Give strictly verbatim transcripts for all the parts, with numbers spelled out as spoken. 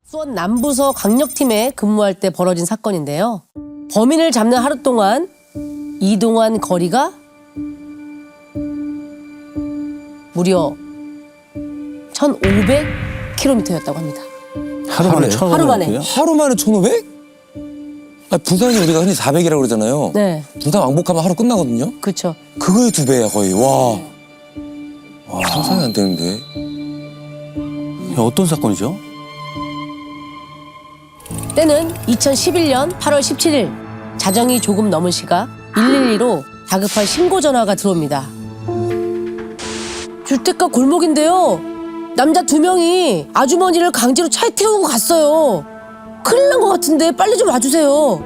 수원 남부서 강력팀에 근무할 때 벌어진 사건인데요. 범인을 잡는 하루 동안 이동한 거리가 무려 천오백 킬로미터였다고 합니다. 하루 만에 하루 하루 만에. 하루 만에 천오백? 아, 부산이 우리가 흔히 사백이라고 그러잖아요. 네, 부산 왕복하면 하루 끝나거든요. 그렇죠. 그거의 두 배야 거의. 와, 와 상상이 안 되는데. 야, 어떤 사건이죠? 때는 이천십일 년 팔월 십칠일 자정이 조금 넘은 시각 일일이로 다급한 신고 전화가 들어옵니다. 주택가 골목인데요. 남자 두 명이 아주머니를 강제로 차에 태우고 갔어요. 큰일 난 것 같은데 빨리 좀 와주세요.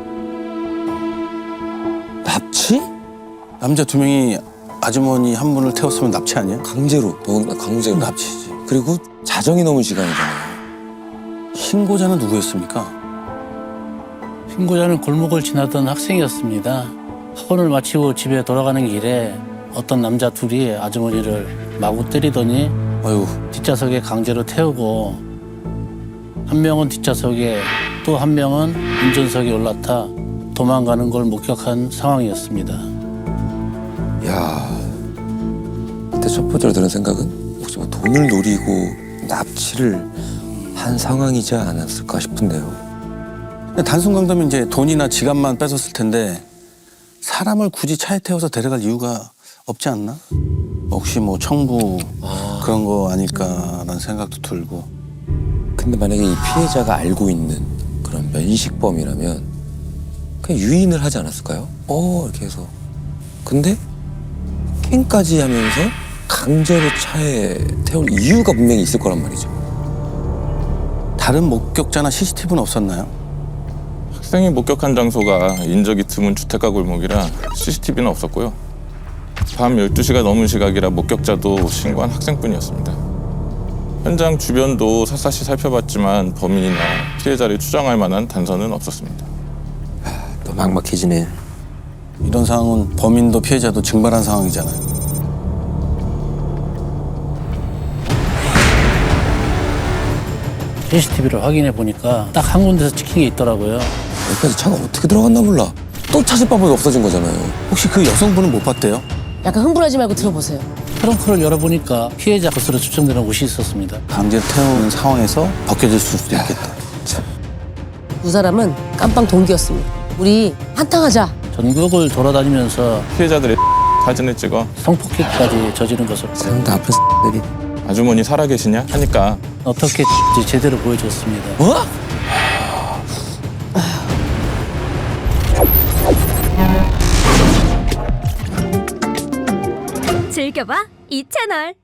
납치? 남자 두 명이 아주머니 한 분을 태웠으면 납치 아니야? 강제로. 더군다나 강제로. 납치지. 그리고 자정이 넘은 시간이잖아요. 신고자는 누구였습니까? 신고자는 골목을 지나던 학생이었습니다. 학원을 마치고 집에 돌아가는 길에 어떤 남자 둘이 아주머니를 마구 때리더니 아유, 뒷좌석에 강제로 태우고 한 명은 뒷좌석에 또 한 명은 운전석에 올라타 도망가는 걸 목격한 상황이었습니다. 야, 그때 첫 번째로 드는 생각은 혹시 뭐 돈을 노리고 납치를 한 상황이지 않았을까 싶은데요. 단순 강도면 이제 돈이나 지갑만 뺏었을 텐데 사람을 굳이 차에 태워서 데려갈 이유가 없지 않나? 혹시 뭐 청부 아. 그런 거 아닐까라는 생각도 들고. 근데 만약에 이 피해자가 알고 있는 그런 면식범이라면 그냥 유인을 하지 않았을까요? 어 이렇게 해서. 근데 캔까지 하면서 강제로 차에 태울 이유가 분명히 있을 거란 말이죠. 다른 목격자나 씨씨티비는 없었나요? 학생이 목격한 장소가 인적이 드문 주택가 골목이라 씨씨티비는 없었고요. 밤 열두 시가 넘은 시각이라 목격자도 신고한 학생뿐이었습니다. 현장 주변도 샅샅이 살펴봤지만 범인이나 피해자를 추정할 만한 단서는 없었습니다. 또 막막해지네. 이런 상황은 범인도 피해자도 증발한 상황이잖아요. 씨씨티비를 확인해 보니까 딱 한 군데서 찍힌 게 있더라고요. 여기까지 차가 어떻게 들어갔나 몰라. 또 찾을 방법이 없어진 거잖아요. 혹시 그 여성분은 못 봤대요? 약간 흥분하지 말고 들어보세요. 트렁크를 열어보니까 피해자 것으로 추정되는 옷이 있었습니다. 강제 태우는 상황에서 벗겨질 수도 있겠다. 두 사람은 깜빵 동기였습니다. 우리 한탕하자. 전국을 돌아다니면서 피해자들의 사진을 찍어 성폭행까지 저지른 것으로 상다 아픈 들이. 아주머니 살아계시냐 하니까 어떻게 제대로 보여줬습니다. 어? 즐겨봐 이 채널.